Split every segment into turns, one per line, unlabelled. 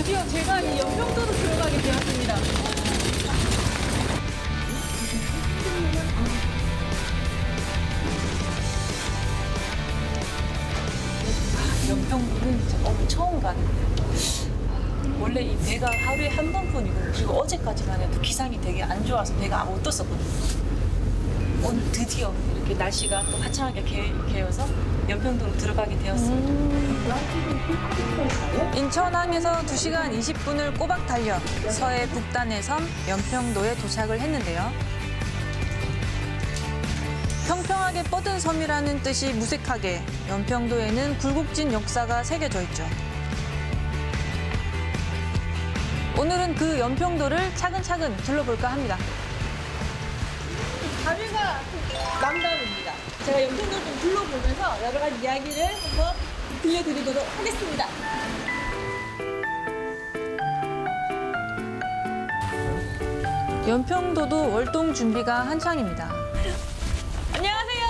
드디어 제가 이 연평도로 들어가게 되었습니다. 연평도는 진짜 처음 가는데 원래 이 배가 하루에 한 번뿐이고 그리고 어제까지만 해도 기상이 되게 안 좋아서 배가 못 떴었거든요. 오늘 드디어 이렇게 날씨가 또 화창하게 개어서 연평도로 들어가게 되었습니다. 인천항에서 2시간 20분을 꼬박 달려 서해 북단의 섬 연평도에 도착을 했는데요. 평평하게 뻗은 섬이라는 뜻이 무색하게 연평도에는 굴곡진 역사가 새겨져 있죠. 오늘은 그 연평도를 차근차근 둘러볼까 합니다. 다리가 남다릅니다. 제가 연평도를 좀 둘러보면서 여러 가지 이야기를 한번 들려드리도록 하겠습니다. 연평도도 월동 준비가 한창입니다. 안녕하세요.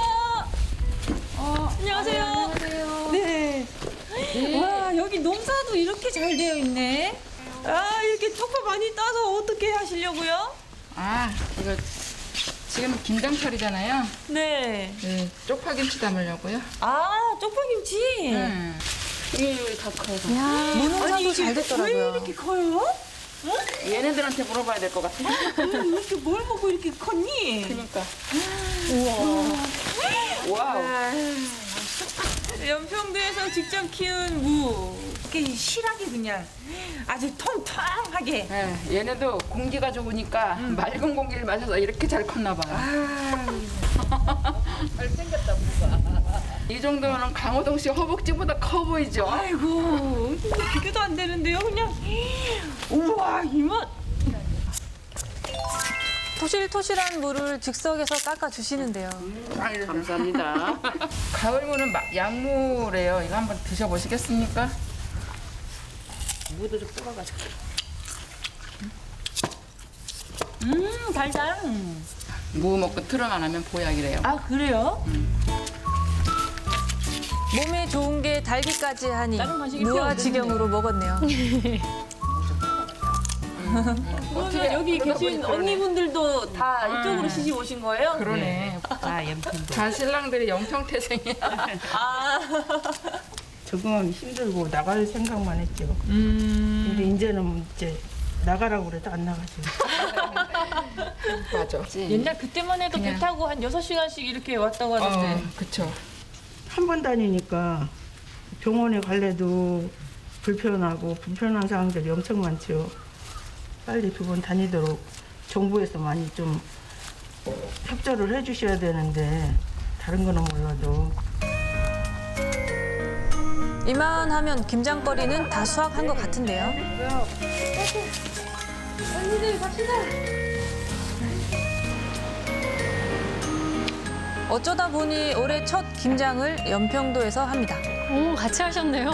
안녕하세요.
안녕하세요.
네. 와, 여기 농사도 이렇게 잘 되어 있네. 아, 이렇게 쪽파 많이 따서 어떻게 하시려고요?
아, 이거 지금 김장철이잖아요.
네.
네, 쪽파김치 담으려고요.
아, 쪽파김치.
이게 다 커요.
무농사도
왜
잘 됐더라고요.
이렇게 커요?
얘네들한테 물어봐야 될 것 같아.
이렇게 뭘 먹고 이렇게 컸니?
그러니까.
우와.
와우.
연평도에서 직접 키운 무.
이렇게 실하게 그냥 아주 통통하게.
네, 얘네도 공기가 좋으니까 맑은 공기를 마셔서 이렇게 잘 컸나 봐요. 잘생겼다, 무가. 이 정도면 강호동 씨 허벅지보다 커 보이죠?
아이고, 비교도 안 되는데요, 그냥. 우와, 이맛.
토실토실한 무를 즉석에서 깎아주시는데요.
감사합니다. 가을무는 약무래요. 이거 한번 드셔보시겠습니까?
무도 좀 뽑아가지고. 달달.
무 먹고 트름 안 하면 보약이래요.
아, 그래요?
몸에 좋은 게 달기까지 하니
다른 간식이 필요
무아지경으로 먹었네요.
그러면 여기 계신 언니분들도 다 이쪽으로 시집 오신 거예요?
그러네.
아, 연평도.
다 신랑들이 영평태생이야.
아,
적응하기 힘들고 나갈 생각만 했죠. 근데 이제는 이제 나가라고 그래도 안 나가죠.
맞아.
옛날 그때만 해도 배 타고 한 6시간씩 이렇게 왔다고 하던데.
그쵸.
한 번 다니니까 병원에 갈래도 불편하고 불편한 사항들이 엄청 많죠. 빨리 두 번 다니도록 정부에서 많이 좀 협조를 해주셔야 되는데 다른 거는 몰라도
이만하면 김장거리는 다 수확한 것 같은데요. 언니들 갑시다. 어쩌다 보니 올해 첫 김장을 연평도에서 합니다.
오, 같이 하셨네요.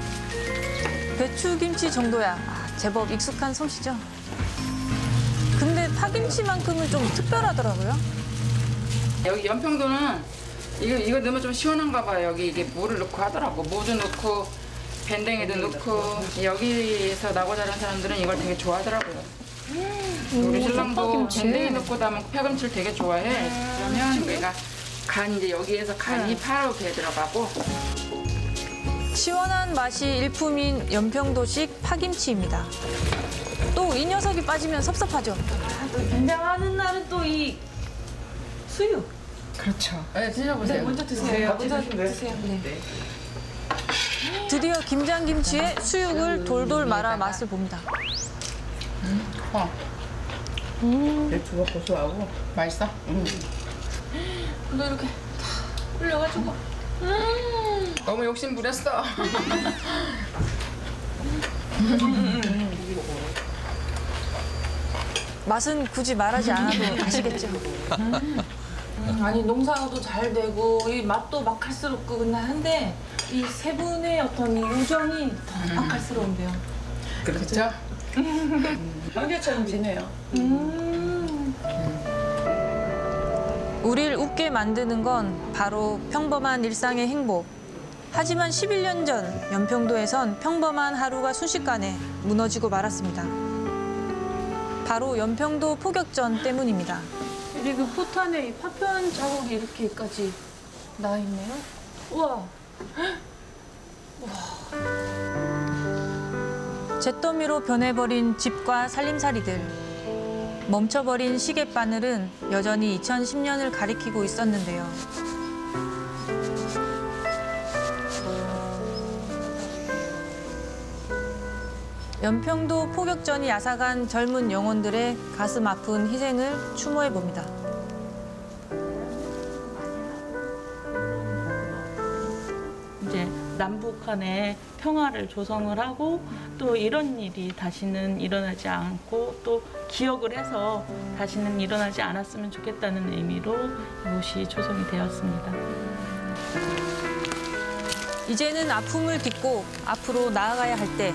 배추김치 정도야 제법 익숙한 솜씨죠. 근데 파김치만큼은 좀 특별하더라고요.
여기 연평도는 이거 넣으면 좀 시원한가 봐요. 여기 이게 무를 넣고 하더라고. 무도 넣고 밴댕이도 넣고 여기서 나고 자란 사람들은 이걸 되게 좋아하더라고요. 우리 신랑도 밴댕이 넣고 담은 파김치를 되게 좋아해. 그러면 우리가 간 이제 여기에서 간이 파로 배 들어가고
시원한 맛이 일품인 연평도식 파김치입니다. 또 이 녀석이 빠지면 섭섭하죠.
또 김장하는 날은 또 이 수육.
그렇죠. 네, 드셔보세요.
먼저 드세요. 먼저 드세요.
네. 드디어 김장김치에 수육을 돌돌 말아 맛을 봅니다.
배추가 고소하고
맛있어?
너 이렇게 다 올려가지고.
너무 욕심 부렸어.
맛은 굳이 말하지 않아도 아시겠죠.
아니 농사도 잘 되고 이 맛도 맛깔스럽고 한데 이 세 분의 어떤 이 우정이 더 맛깔스러운데요.
그렇죠?
형제처럼 지내요.
우릴 웃게 만드는 건 바로 평범한 일상의 행복.
하지만 11년 전 연평도에선 평범한 하루가 순식간에 무너지고 말았습니다. 바로 연평도 포격전 때문입니다.
그리고 포탄에 이 파편 자국이 이렇게까지 나 있네요. 우와.
잿더미로 변해버린 집과 살림살이들. 멈춰버린 시계바늘은 여전히 2010년을 가리키고 있었는데요. 연평도 포격전이 앗아간 젊은 영혼들의 가슴 아픈 희생을 추모해 봅니다.
이제 남북 간에 평화를 조성을 하고 또 이런 일이 다시는 일어나지 않고 또 기억을 해서 다시는 일어나지 않았으면 좋겠다는 의미로 이곳이 조성이 되었습니다.
이제는 아픔을 딛고 앞으로 나아가야 할 때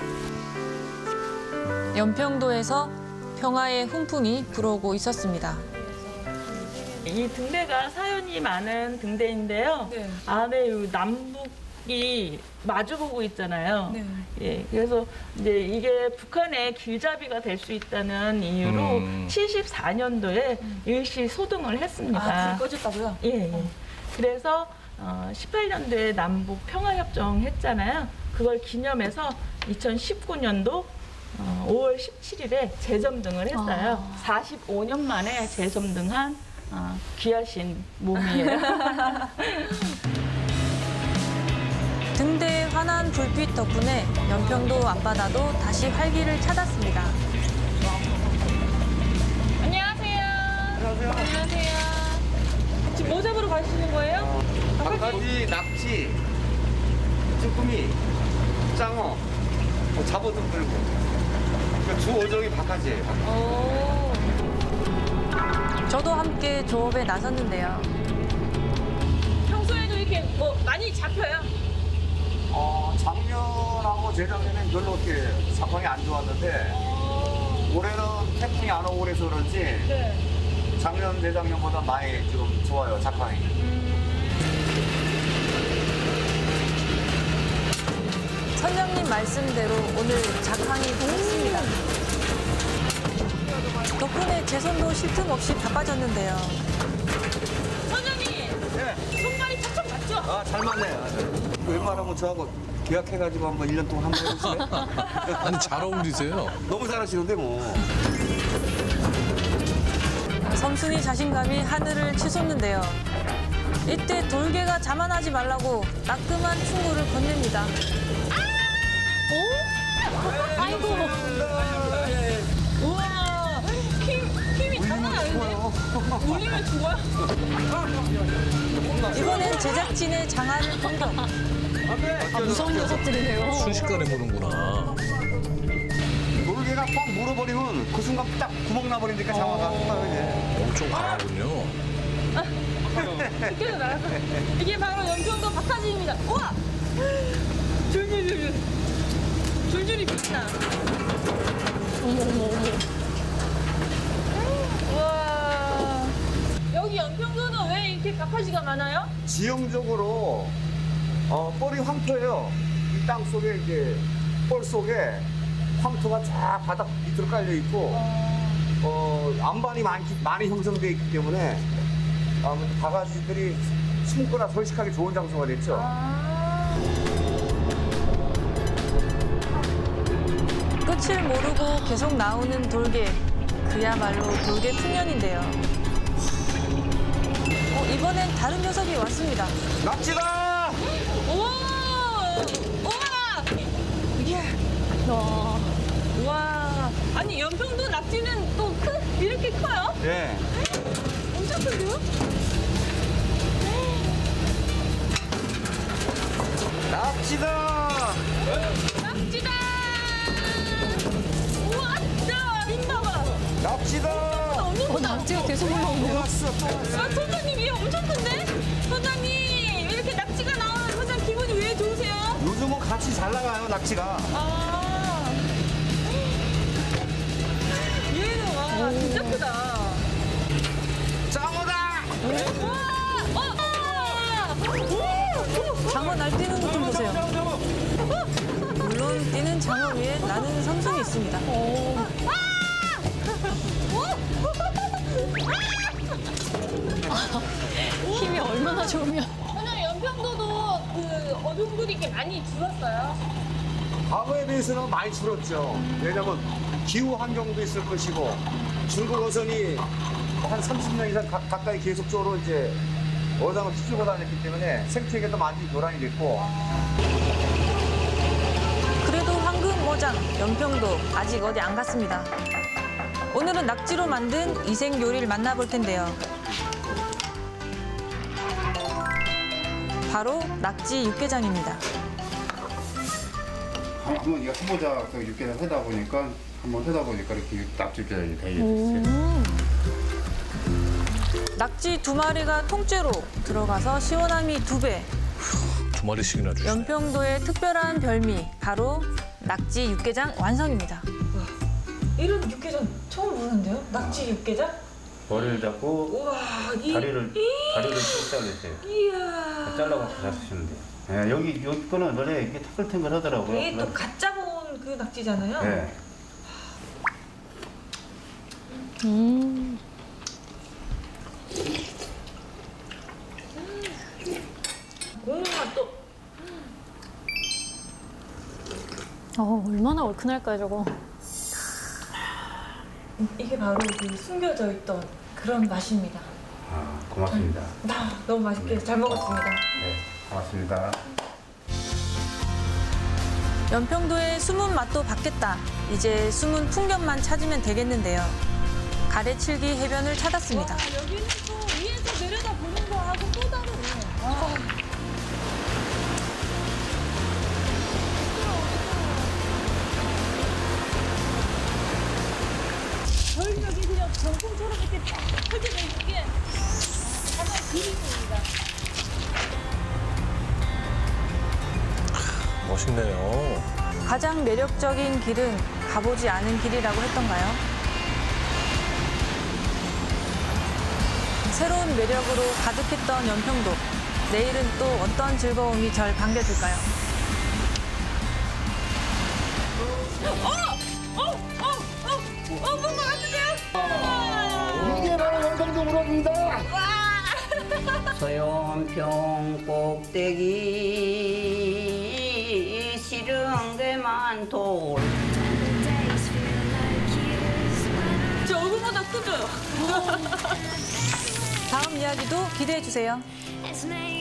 연평도에서 평화의 훈풍이 불어오고 있었습니다.
이 등대가 사연이 많은 등대인데요.
네.
안에 이 남북이 마주보고 있잖아요.
네.
예, 그래서 이제 이게 북한의 길잡이가 될 수 있다는 이유로 74년도에 일시 소등을 했습니다.
아, 불 꺼졌다고요?
예, 예. 그래서 18년도에 남북 평화협정 했잖아요. 그걸 기념해서 2019년도 5월 17일에 재점등을 했어요. 45년 만에 재점등한 귀하신 몸이에요.
등대의 환한 불빛 덕분에 연평도 앞바다도 다시 활기를 찾았습니다.
안녕하세요. 지금 뭐 잡으러 가시는 거예요?
바가지, 낙지, 쭈꾸미, 짱어, 뭐 잡어도 끌고. 그러니까 주 5종이 바가지예요.
저도 함께 조업에 나섰는데요.
평소에도 이렇게 뭐 많이 잡혀요?
작년하고 재작년엔 별로 이렇게 상황이 안 좋았는데 올해는 태풍이 안 오고 그래서 그런지
네.
작년, 재작년보다 많이 좀 좋아요, 작황이.
선장님 말씀대로 오늘 작황이 좋습니다. 덕분에 제 손도 쉴 틈 없이 바빠졌는데요.
선장님,
네.
손발이 척척 맞죠?
아, 잘 맞네요. 웬만하면 저하고 계약해가지고 한번 1년 동안 한번 해보세요.
아니 잘 어울리세요.
너무 잘하시는데 뭐.
섬순이 자신감이 하늘을 치솟는데요. 이때 돌개가 자만하지 말라고 따끔한 충고를 건넵니다.
아이고. 우와. 힘이 장난 아닌데? 울리면 죽어요?
이번엔 제작진의 장안을 공격.
무서운 녀석들이네요.
순식간에 보는구나.
돌개가 꽉 물어버리면 그 순간 딱 구멍 나버리니까 장화가 이제.
엄청 강하군요.
이렇게 나요. 이게 바로 연평도 박하지입니다. 우와! 줄줄이 빛나. 어머. 우와. 여기 연평도는 왜 이렇게 박하지가 많아요?
지형적으로 뻘이 황토예요. 이 땅 속에 이제 뻘 속에 황토가 쫙 바닥 밑으로 깔려 있고 안반이 많이 형성되어 있기 때문에 바가지들이 숨거나 서식하기 좋은 장소가 됐죠.
끝을 모르고 계속 나오는 돌개. 그야말로 돌개 풍년인데요. 이번엔 다른 녀석이 왔습니다.
낙지다!
우와. 아니, 연평도 낙지는 또 이렇게 커요?
네.
엄청 큰데요?
낙지다!
낙지다! 우와, 힘 봐봐.
낙지다!
낙지가 계속 올라오네요.
왔어, 또 왔어.
아, 선장님, 이거 엄청 큰데? 선장님, 이렇게 낙지가 나오면 선장 기분이 왜 좋으세요?
요즘은 같이 잘 나가요, 낙지가.
아. 얘는 와, 진짜 크다.
짱어다!
우와!
장어 날뛰는 것 좀 보세요. 물론 뛰는 장어 위에 나는 삼손이 있습니다.
힘이 얼마나 좋으면.
오늘 연평도도 그 어종들이 이렇게 많이 줄었어요.
과거에 비해서는 많이 줄었죠. 왜냐면 기후 환경도 있을 것이고 중국 어선이 한 30년 이상 가까이 계속적으로 이제 어장을 휘두르고 다녔기 때문에 생태계도 많이 교란이 됐고
그래도 황금어장, 연평도 아직 어디 안 갔습니다. 오늘은 낙지로 만든 이색 요리를 만나볼 텐데요. 바로 낙지 육개장입니다.
한번 이거 해보자. 그 육개장 하다 보니까 이렇게 낙지 육개장이 되게 됐어요.
낙지 2마리가 통째로 들어가서 시원함이 2배.
2마리씩이나 주시네.
연평도의 특별한 별미, 바로 낙지 육개장 완성입니다.
이런 육개장 처음 보는데요? 낙지 육개장?
머리를 잡고
우와,
다리를 쭉 잘라주세요.
이야.
잘라서 잡수시면 돼요. 예, 여기 거는 원래 이게 탱글탱글하더라고요.
이게 또 갓 잡아온 그 낙지잖아요.
네.
국물 맛도
얼마나 얼큰할까요, 저거.
이게 바로 그 숨겨져 있던 그런 맛입니다.
아, 고맙습니다.
너무 맛있게 잘 먹었습니다.
네, 고맙습니다.
연평도의 숨은 맛도 받겠다. 이제 숨은 풍경만 찾으면 되겠는데요. 가래칠기 해변을 찾았습니다.
여기는 또 위에서 내려다 보는 거하고 또 다르네. 절벽이 그냥 병풍처럼 이렇게 쫙 펼쳐져 있는 게 하나의 그림입니다.
멋있네요.
가장 매력적인 길은 가보지 않은 길이라고 했던가요? 새로운 매력으로 가득했던 연평도. 내일은 또 어떤 즐거움이 절 반겨줄까요?
이게 바로 연평도 우럭입니다.
소연평 꼭대기 싫은 데만 돌.
제 얼굴보다 크죠?
다음 이야기도 기대해 주세요.
It's me.